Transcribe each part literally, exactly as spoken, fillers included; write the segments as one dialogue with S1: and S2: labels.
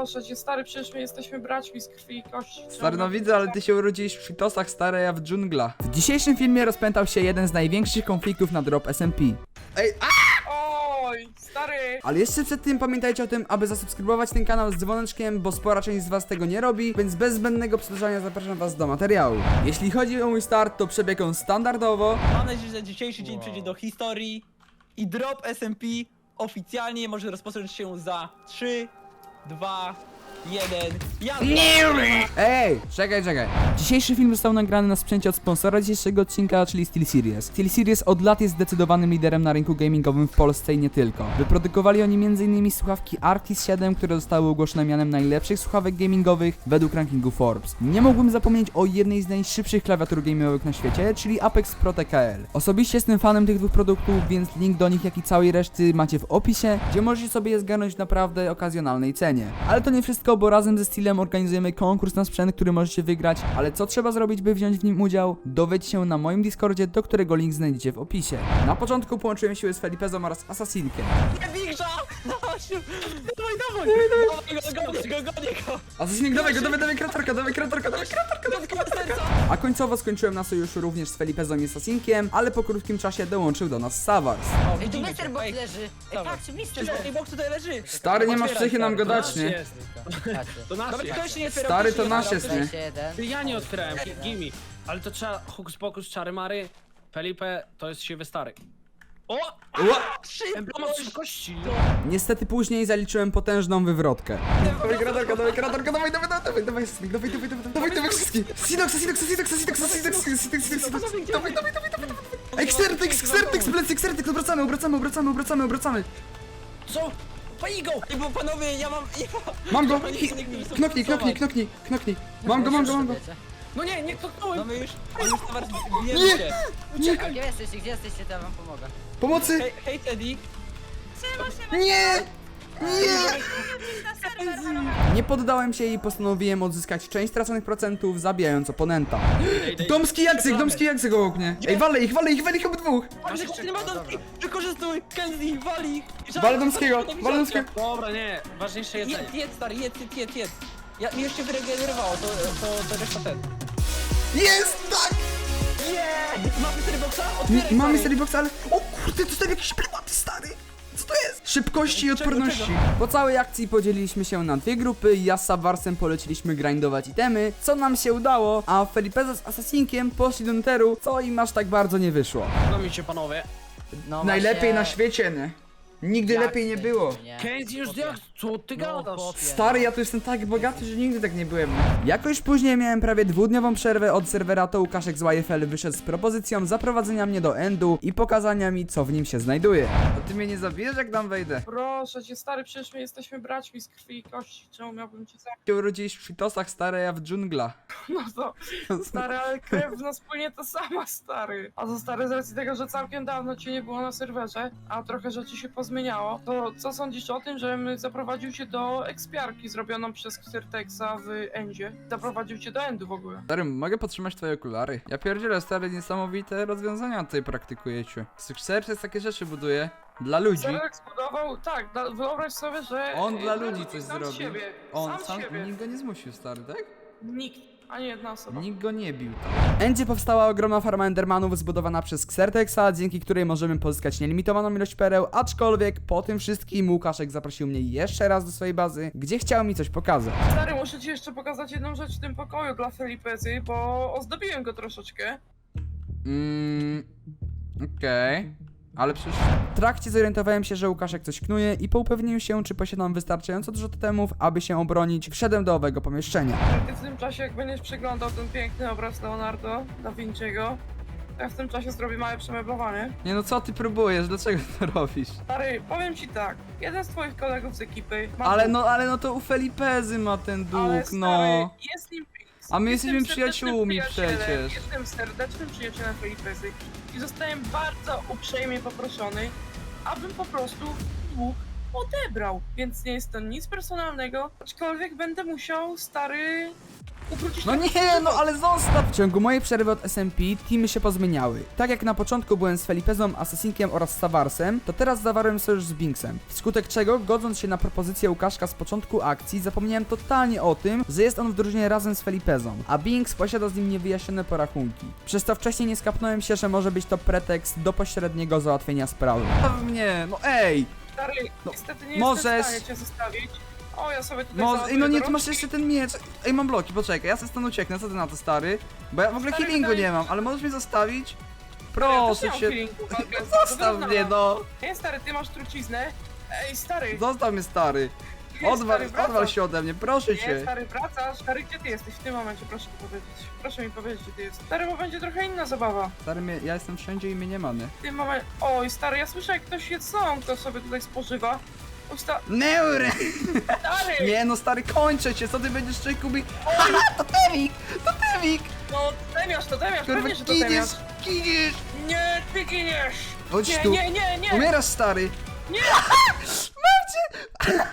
S1: Proszę cię, stary, przecież my jesteśmy braćmi z krwi i kości.
S2: Stary, no widzę, ale ty się urodziłeś w Fitosach, stary, a ja w dżungla. W dzisiejszym filmie rozpętał się jeden z największych konfliktów na drop S M P. Ej, a!
S1: Oj, stary!
S2: Ale jeszcze przed tym pamiętajcie o tym, aby zasubskrybować ten kanał z dzwoneczkiem, bo spora część z was tego nie robi, więc bez zbędnego przedłużania zapraszam was do materiału. Jeśli chodzi o mój start, to przebieg on standardowo.
S3: Mam nadzieję, że dzisiejszy dzień przejdzie do historii i drop S M P oficjalnie może rozpocząć się za trzy, dwa, jeden.
S2: Ej, czekaj, czekaj. Dzisiejszy film został nagrany na sprzęcie od sponsora dzisiejszego odcinka, czyli SteelSeries. SteelSeries od lat jest zdecydowanym liderem na rynku gamingowym w Polsce i nie tylko. Wyprodukowali oni między innymi słuchawki Arctis siedem, które zostały ogłoszone mianem najlepszych słuchawek gamingowych według rankingu Forbes. Nie mógłbym zapomnieć o jednej z najszybszych klawiatur gamingowych na świecie, czyli Apex Pro T K L. Osobiście jestem fanem tych dwóch produktów, więc link do nich, jak i całej reszty macie w opisie, gdzie możecie sobie je zgarnąć w naprawdę okazjonalnej cenie. Ale to nie wszystko, bo razem ze Steelem organizujemy konkurs na sprzęt, który możecie wygrać, ale co trzeba zrobić, by wziąć w nim udział? Dowiedz się na moim Discordzie, do którego link znajdziecie w opisie. Na początku połączyłem siły z Felipezą oraz Assassinkiem.
S3: Nie Wiksa! Dawaj, dawaj! Dawaj go, go, go, go!
S2: Assassinnik, dawaj go, dawaj, dawaj kratorka, dawaj kratorka, dawaj kratorka. A końcowo skończyłem na sojuszu również z Felipezą i Assassinkiem, ale po krótkim czasie dołączył do nas Savars.
S3: O,
S4: Ej, tu
S3: widzimy
S4: mister
S3: cię,
S4: Box
S3: ej,
S4: leży! Ej,
S3: dawaj.
S4: patrzcie, mister
S3: Przecież
S4: Box!
S3: ten box tutaj leży!
S2: Stary, nie masz psychy nam go dać, nie?
S5: Jest.
S4: Patrzcie.
S5: To nasz
S3: Dobra,
S5: jest.
S3: ktoś się nie otwierał,
S2: Stary,
S3: ktoś się
S2: to
S3: nie
S2: nasz
S3: otwierał,
S2: jest,
S3: ktoś-
S2: nie?
S4: Jeszcze jeden.
S5: Ty, ja nie otwierałem, gimme. Ale to trzeba hokus pokus, czary mary. Felipe, to jest siwy stary. O!
S2: Ła!
S5: Emblemat szybkości!
S2: Niestety później zaliczyłem potężną wywrotkę. Dawaj kratorka, dawaj kratorka, dawaj, dawaj, dawaj, dawaj, dawaj, Assassinnik, dawaj, dawaj, dawaj, dawaj, dawaj wszystkie. Sidox, Sidox, Sidox, Sidox, Sidox, Sidox, Sidox, Sidox, dawaj, dawaj, dawaj, dawaj, dawaj. Xertex, Xertex, plecy, Xertex, obracamy, obracamy, obracamy, obracamy, obracamy.
S5: Co? Pani go!
S3: Ej, bo panowie, ja mam... Ja
S2: Mam go!
S3: Panowie,
S2: Hi-
S3: nikt mi nie chce
S2: Knoknij, knoknij,
S3: pracować.
S2: knoknij, knoknij. Mam go, mam go, mam go.
S5: No nie, nie tknąłem!
S3: Mamy już... Mamy już towar...
S2: Nie!
S3: Bijemy się.
S2: Nie!
S4: Gdzie jesteście, gdzie jesteście, to ja wam pomogę.
S2: Pomocy!
S3: Hej, hej Teddy!
S2: Nie! Nie! Nie poddałem się i postanowiłem odzyskać część straconych procentów, zabijając oponenta. Domski jacek, domski jacek obok mnie. Ej, walę ich, walę ich, walę ich obydwóch.
S3: Ale
S5: jeszcze-
S3: nie ma domki! Wykorzystuj! Kenzie, wali ich!
S2: Walę domskiego, walę domskiego.
S5: Dobra, nie, ważniejsze jedzenie.
S3: Jedz, jedz stary, jedz, jedz, jedz, jedz! Ja, mi już się wyregenerowało, to, to, to reszta ten.
S2: Jest, tak!
S3: Nie! Mamy mystery boxa?
S2: Nie,
S3: Otwieraj,
S2: mam
S3: stary.
S2: mystery box, ale... O kurde, to tam jakieś prywaty, stary! Co to jest? Szybkości i
S3: Czego,
S2: odporności.
S3: czego?
S2: Po całej akcji podzieliliśmy się na dwie grupy. Ja z Savarsem poleciliśmy grindować itemy, co nam się udało, a Felipeza z Assassinkiem poszli do Netheru, co im aż tak bardzo nie wyszło.
S5: No mi się panowie.
S4: No
S2: Najlepiej
S4: właśnie-
S2: na świecie, nie? Nigdy
S4: Jak
S2: lepiej nie
S4: ty,
S2: było.
S4: nie?
S5: Kenzie już
S4: Chłopie.
S5: jak? Co ty
S4: No,
S5: gadasz?
S4: chłopie.
S2: Stary, ja tu jestem tak bogaty, że nigdy tak nie byłem. Jakoś później miałem prawie dwudniową przerwę od serwera, to Łukaszek z Y F L wyszedł z propozycją zaprowadzenia mnie do endu i pokazania mi, co w nim się znajduje. A ty mnie nie zabijesz, jak tam wejdę?
S1: Proszę cię, stary, przecież my jesteśmy braćmi z krwi i kości. Czemu miałbym cię zabić?
S2: Ty urodziłeś w Fitosach, stary, ja w dżungla.
S1: No to, stary, ale krew w nas płynie to sama, stary. A to, stary, z racji tego, że całkiem dawno cię nie było na serwerze, a trochę rzeczy się pozmieniało, to co sądzisz o tym, żebym zaprowadził cię do ekspiarki zrobioną przez Xertexa w endzie? Zaprowadził cię do endu w ogóle.
S2: Stary, mogę podtrzymać twoje okulary? Ja pierdzielę, stary, niesamowite rozwiązania tutaj praktykujecie. Serce takie rzeczy buduje. Dla ludzi.
S1: Xertex budował, tak, da, wyobraź sobie, że...
S2: On dla
S1: e,
S2: ludzi coś
S1: sam z
S2: zrobił.
S1: siebie,
S2: On
S1: sam,
S2: sam,
S1: z siebie.
S2: nikt go nie zmusił, stary, tak?
S1: Nikt, ani jedna osoba.
S2: Nikt go nie bił. W endzie powstała ogromna farma endermanów zbudowana przez Xertexa, dzięki której możemy pozyskać nielimitowaną ilość pereł, aczkolwiek po tym wszystkim Łukaszek zaprosił mnie jeszcze raz do swojej bazy, gdzie chciał mi coś pokazać.
S1: Stary, muszę ci jeszcze pokazać jedną rzecz w tym pokoju dla Felipezy, bo ozdobiłem go troszeczkę.
S2: Mmm... Okej... Ale przecież w trakcie zorientowałem się, że Łukaszek coś knuje i po upewnieniu się, czy posiadam wystarczająco dużo totemów, aby się obronić, wszedłem do owego pomieszczenia.
S1: Ty w tym czasie, jak będziesz przeglądał ten piękny obraz Leonardo da Vinci'ego, to ja w tym czasie zrobię małe przemeblowanie.
S2: Nie no, co ty próbujesz? Dlaczego to robisz?
S1: Stary, powiem ci tak, jeden z twoich kolegów z ekipy ma
S2: Ale
S1: dług,
S2: no, ale no to u Felipezy ma ten
S1: ale
S2: dług,
S1: stary,
S2: no.
S1: jest nim...
S2: A my
S1: jestem
S2: jesteśmy
S1: serdecznym
S2: przyjaciółmi
S1: przyjacielem,
S2: przecież.
S1: Jestem serdecznym przyjacielem Felipezy i zostałem bardzo uprzejmie poproszony, abym po prostu dług odebrał. Więc nie jest to nic personalnego, aczkolwiek będę musiał, stary, Ukrócić
S2: No nie, no ale zostaw! W ciągu mojej przerwy od S M P teamy się pozmieniały. Tak jak na początku byłem z Felipezą, Assassinkiem oraz Savarsem, to teraz zawarłem sojusz z Binksem. Wskutek czego, godząc się na propozycję Łukaszka z początku akcji, zapomniałem totalnie o tym, że jest on w drużynie razem z Felipezą, a Binks posiada z nim niewyjaśnione porachunki. Przez to wcześniej nie skapnąłem się, że może być to pretekst do pośredniego załatwienia sprawy. Zostaw mnie, no ej!
S1: Stary,
S2: No,
S1: niestety nie
S2: możesz.
S1: jestem w stanie cię zostawić. O, ja sobie tutaj
S2: Może,
S1: załaduję
S2: ej, no nie,
S1: do
S2: tu masz
S1: rączki.
S2: jeszcze ten miecz. Ej, mam bloki, poczekaj, ja sobie stąd ucieknę, co ty na to, stary? Bo ja w ogóle
S1: Stary,
S2: healingu
S1: wydaje
S2: nie
S1: mi
S2: mam,
S1: się-
S2: ale możesz mnie zostawić?
S1: Ja też
S2: Proszę
S1: nie mam
S2: cię.
S1: feelingu, walka jest
S2: Zostaw
S1: wyrównana.
S2: mnie, no!
S1: Nie, stary, ty masz truciznę. Ej, stary.
S2: Zostaw mnie, stary!
S1: Nie,
S2: Odwal,
S1: stary, wracasz.
S2: odwal się ode mnie, proszę
S1: Nie,
S2: cię!
S1: stary, wracasz. Stary, gdzie ty jesteś w tym momencie? Proszę mi powiedzieć. Proszę mi powiedzieć, gdzie ty jesteś. Stary, bo będzie trochę inna zabawa.
S2: Stary, mnie, ja jestem wszędzie i mnie nie ma, nie?
S1: W tym momencie... Oj, stary, ja słyszę, jak ktoś jedzą, kto sobie tutaj spożywa. Oj, sta...
S2: Neury!
S1: Stary!
S2: Nie no, stary, kończę cię, co ty będziesz człowieku mi... Haha, to Temik! To Temik!
S1: No, temiasz to, temiasz,
S2: Kurwa,
S1: pewnie, że to
S2: giniesz,
S1: temiasz.
S2: giniesz!
S1: Nie, ty giniesz!
S2: Chodź
S1: Nie,
S2: tu!
S1: nie, nie, nie!
S2: Umierasz, stary!
S1: Nie!
S2: Mam cię!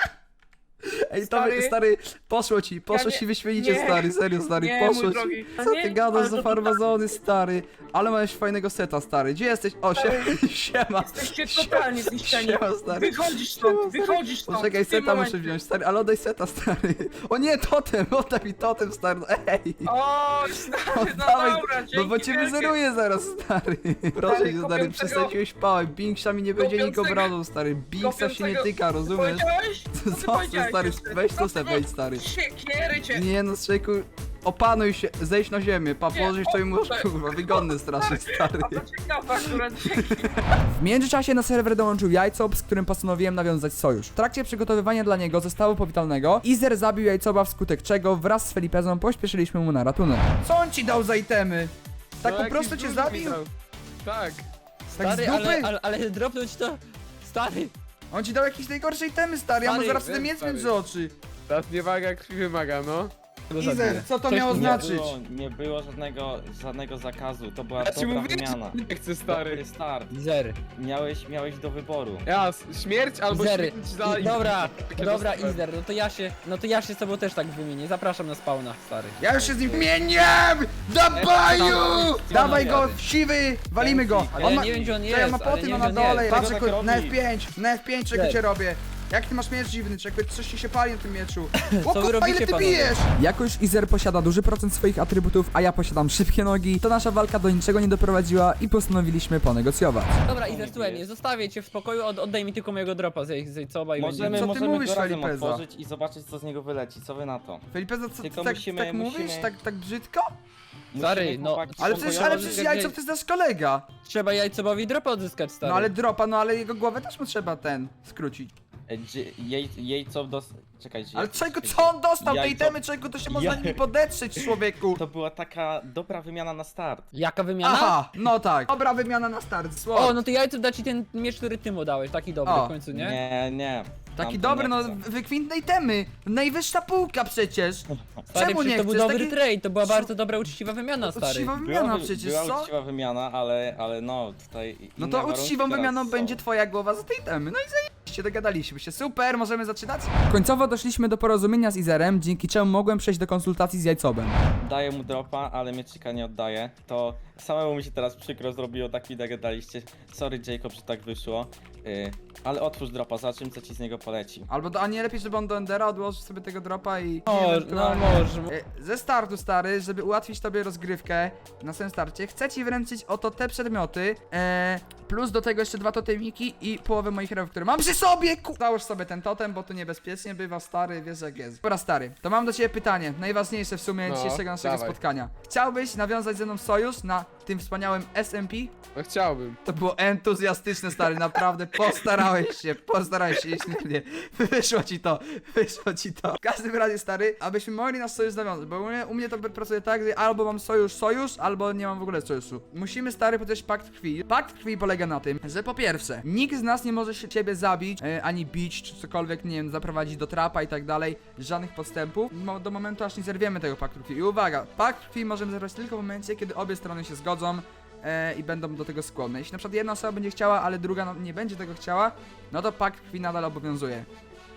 S2: Ej, to
S1: Stary.
S2: stary, stary, poszło ci, poszło
S1: nie-
S2: ci wyśmienicie,
S1: nie.
S2: stary, serio, stary,
S1: Nie,
S2: poszło
S1: mój
S2: ci.
S1: drogi.
S2: Co
S1: Nie,
S2: ty gadasz
S1: ale
S2: za
S1: to
S2: farmazony, stary? Ale masz fajnego seta, stary. Gdzie jesteś? O,
S1: Stary.
S2: sie, siema.
S1: Jesteście totalnie zniszczeni.
S2: Siema, stary.
S1: Wychodzisz stąd,
S2: Siema, stary.
S1: wychodzisz stąd.
S2: Poczekaj,
S1: w tym
S2: seta muszę
S1: momencie.
S2: wziąć, stary, ale oddaj seta, stary. O nie, totem, oddaj mi totem, stary, no ej.
S1: Oj, stary, no
S2: Oddawaj,
S1: dobra, dzięki
S2: no bo cię
S1: wielkie.
S2: wyzeruję zaraz, stary. Proszę cię, stary,
S1: kopiącego-
S2: przesadziłeś pałę. Binksa mi nie będzie nikt
S1: kopiącego-
S2: obrażał, stary. Binksa się nie
S1: kopiącego-
S2: tyka, rozumiesz?
S1: Powiedziałeś? Co ty
S2: Zostaw,
S1: powiedziałeś
S2: stary,
S1: jeszcze?
S2: weź tu
S1: Co
S2: se
S1: ty-
S2: wejdź, stary.
S1: Siekiery cię.
S2: Nie no, Strzyku, opanuj się, zejdź na ziemię, pa,
S1: Nie,
S2: położysz to i możesz,
S1: o,
S2: kurwa, wygodny strasznie, stary.
S1: A to ciekawe akurat, dzięki.
S2: W międzyczasie na serwer dołączył Jajcob, z którym postanowiłem nawiązać sojusz. W trakcie przygotowywania dla niego zestawu powitalnego, Izer zabił Jajcoba, wskutek czego wraz z Felipezą pośpieszyliśmy mu na ratunek. Co on ci dał za itemy? Tak
S6: No,
S2: po
S6: jakiś
S2: prostu cię
S6: duży
S2: zabił?
S6: mi dał. Tak.
S2: Tak z
S3: Stary,
S2: dupy?
S3: ale, ale, ale dropnąć to... Stary!
S2: On ci dał jakieś najgorsze itemy, stary, ja mu
S3: Stary,
S2: zaraz ten
S6: wiem,
S2: miecz
S6: stary.
S2: między oczy.
S6: Teraz nie waga krwi wymaga, no.
S2: Izer, co to
S3: Coś
S2: miało
S3: tu
S7: Nie
S2: znaczyć?
S7: było, nie było żadnego, żadnego zakazu, to była
S6: Ja ci
S7: dobra
S6: mówię,
S7: wymiana.
S6: że nie chcę,
S7: Dobry
S6: stary.
S7: start.
S3: Zer.
S7: Miałeś, miałeś do wyboru.
S6: Ja, s- śmierć albo
S3: Zery.
S6: śmierć za...
S3: I, dobra,
S6: Takie
S3: dobra,
S6: dostałem.
S3: Izer, no to ja się, no to ja się z tobą też tak wymienię. Zapraszam na spawna, stary.
S2: Ja już się z nim mieniam! Dabaju! Dawaj go, siwy! Walimy go!
S3: Ale
S2: On
S3: ja
S2: ma...
S3: nie wiem, gdzie on
S2: Co
S3: jest,
S2: ja ma
S3: ale
S2: poty,
S3: nie
S2: no
S3: wiem,
S2: na
S3: gdzie on
S2: dole,
S3: jest.
S2: patrz,
S7: Czego
S2: jak-
S7: tak
S2: na F
S7: robi?
S2: pięć, na F pięć czego
S3: Cześć.
S2: cię robię. Jak ty masz miecz dziwny, czy jakby coś ci się pali na tym mieczu? O
S3: Co wy
S2: kurwa,
S3: robicie,
S2: ile ty
S3: panowie?
S2: bijesz? Jako już Izer posiada duży procent swoich atrybutów, a ja posiadam szybkie nogi, to nasza walka do niczego nie doprowadziła i postanowiliśmy ponegocjować.
S3: Dobra, Izer, słuchaj mnie, zostawię cię w spokoju, od, oddaj mi tylko mojego dropa z Zejcoba i
S7: Możemy,
S3: będzie...
S2: Co ty
S7: możemy
S2: mówisz,
S7: go razem
S2: Felipeza?
S7: otworzyć i zobaczyć, co z niego wyleci. Co wy na to?
S2: Felipe, co ty
S7: Tylko
S2: tak,
S7: musimy-
S2: tak mówisz?
S7: musimy-
S2: Tak, tak brzydko?
S3: Stary,
S7: Musimy,
S3: no,
S7: chłopaki,
S2: Ale
S3: Spoko,
S2: przecież,
S3: ja
S2: ale
S3: może
S2: przecież
S3: jak
S2: jajco
S3: nie-
S2: to jest nasz kolega.
S3: Trzeba Jajcobowi dropa odzyskać, stary.
S2: No ale dropa, no ale jego głowę też mu trzeba ten, skrócić.
S7: E, dzi- Jej, jej co dos... Czekajcie.
S2: Ale czego, co on dostał? Te
S7: Jajco-
S2: itemy, czego to się można
S7: Ja-
S2: nimi podetrzeć, człowieku?
S7: To była taka dobra wymiana na start.
S3: Jaka wymiana?
S2: Aha, no tak. Dobra wymiana na start, słowo.
S3: O, no to Jajcob da ci ten miecz, który ty mu dałeś, taki dobry
S2: O.
S3: w końcu, nie?
S7: Nie, nie.
S2: Taki
S7: Tamten
S2: dobry,
S7: nie
S2: no
S7: chcę.
S2: wykwintne itemy. Najwyższa półka przecież.
S3: Stary,
S2: Czemu
S3: przecież
S2: nie
S3: to był
S2: chcesz?
S3: dobry
S2: Taki-
S3: trade, to była bardzo dobra, uczciwa wymiana, stary.
S2: Uczciwa
S7: Była,
S2: wymiana
S7: wy-
S2: przecież,
S7: była
S2: co?
S7: uczciwa wymiana, ale, ale no tutaj.
S2: No
S7: inne
S2: to
S7: warunki
S2: uczciwą
S7: teraz
S2: wymianą
S7: są.
S2: będzie twoja głowa za te itemy. No i zajebiście, dogadaliśmy się. Super, możemy zaczynać? Końcowo doszliśmy do porozumienia z Izerem, dzięki czemu mogłem przejść do konsultacji z Jajcobem.
S7: Daję mu dropa, ale mieczyka nie oddaję. To samemu mi się teraz przykro zrobiło, tak mi dogadaliście. Sorry Jacob, że tak wyszło. Yy, ale otwórz dropa, zobaczymy co ci z niego poleci.
S2: Albo do, a nie lepiej, żeby on do Endera odłożył sobie tego dropa i...
S3: O, no
S2: ewentualnie-
S3: może.
S2: E, Ze startu, stary, żeby ułatwić tobie rozgrywkę na samym starcie, chcę ci wręczyć oto te przedmioty, e, plus do tego jeszcze dwa totemiki i połowę moich rewów, które mam przy sobie, ku... Załóż sobie ten totem, bo tu niebezpiecznie bywa, stary, wiesz jak jest. Pora stary, to mam do ciebie pytanie, najważniejsze w sumie
S6: No,
S2: dzisiejszego naszego
S6: dawaj.
S2: spotkania. Chciałbyś nawiązać ze mną sojusz na tym wspaniałym S M P?
S6: No chciałbym.
S2: To było entuzjastyczne, stary, naprawdę postarałeś się, postarałeś się, nie, wyszło ci to, wyszło ci to. W każdym razie, stary, abyśmy mogli nasz sojusz nawiązać, bo u mnie, u mnie to pracuje tak, że albo mam sojusz, sojusz, albo nie mam w ogóle sojuszu. Musimy, stary, podejść pakt krwi. Pakt krwi polega na tym, że po pierwsze, nikt z nas nie może się ciebie zabić, e, ani bić, czy cokolwiek, nie wiem, zaprowadzić do trapa i tak dalej, żadnych podstępów, mo- do momentu, aż nie zerwiemy tego paktu krwi. I uwaga, pakt krwi możemy zerwać tylko w momencie, kiedy obie strony się zgodzą, e, i będą do tego skłonne. Jeśli na przykład jedna osoba będzie chciała, ale druga no, nie będzie tego chciała, no to pakt krwi nadal obowiązuje.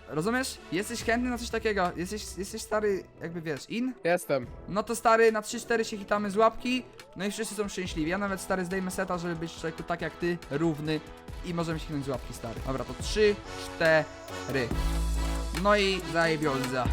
S2: Rozumiesz? Jesteś chętny na coś takiego? Jesteś, jesteś stary, jakby wiesz, in?
S6: Jestem.
S2: No to stary, na trzy cztery się hitamy z łapki, no i wszyscy są szczęśliwi. Ja nawet stary zdejmę seta, żeby być człowieku tak jak ty, równy i możemy się hitnąć z łapki, stary. Dobra, to trzy cztery. No i zajebioza.